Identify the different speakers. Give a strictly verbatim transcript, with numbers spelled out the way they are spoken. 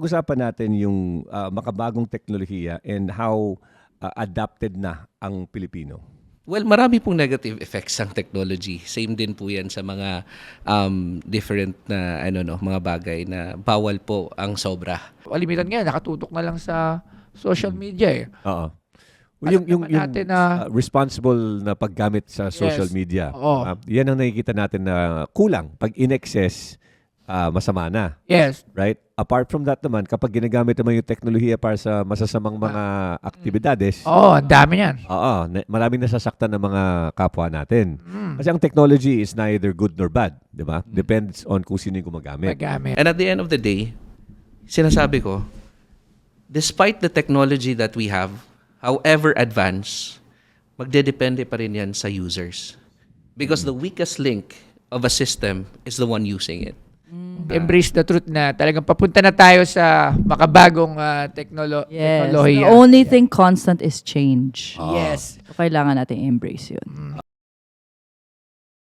Speaker 1: pag-usapan natin yung ah, makabagong teknolohiya and how ah, adapted na ang Pilipino.
Speaker 2: Well, marami pong negative effects ang technology. Same din po 'yan sa mga um, different na ano no, mga bagay na bawal po ang sobra.
Speaker 3: Kalimitan ngayon, nakatutok na lang sa social media eh.
Speaker 1: Oo.
Speaker 3: Alam
Speaker 1: Yung, yung,
Speaker 3: naman
Speaker 1: yung
Speaker 3: natin na-
Speaker 1: ah, responsible na paggamit sa social
Speaker 3: Yes.
Speaker 1: media.
Speaker 3: Oo.
Speaker 1: Ah, yan ang nakikita natin na kulang. Pag in-excess, ah, masama na.
Speaker 3: Yes.
Speaker 1: Right? Apart from that naman, kapag ginagamit naman yung teknolohiya para sa masasamang mga aktibidades,
Speaker 3: Oo, ang dami yan.
Speaker 1: oo, na- maraming nasasaktan ng mga kapwa natin.
Speaker 3: Mm.
Speaker 1: Kasi ang technology is neither good nor bad, di ba? Depends on kung sino yung gumagamit.
Speaker 3: Magamit.
Speaker 2: And at the end of the day, sinasabi ko, despite the technology that we have, however advanced, magdedepende pa rin yan sa users. Because the weakest link of a system is the one using it.
Speaker 3: Embrace the truth na talagang papunta na tayo sa makabagong uh, teknolo-
Speaker 4: Yes.
Speaker 3: teknolohiya.
Speaker 4: The only thing constant is change.
Speaker 3: Yes.
Speaker 4: So, kailangan natin embrace yun.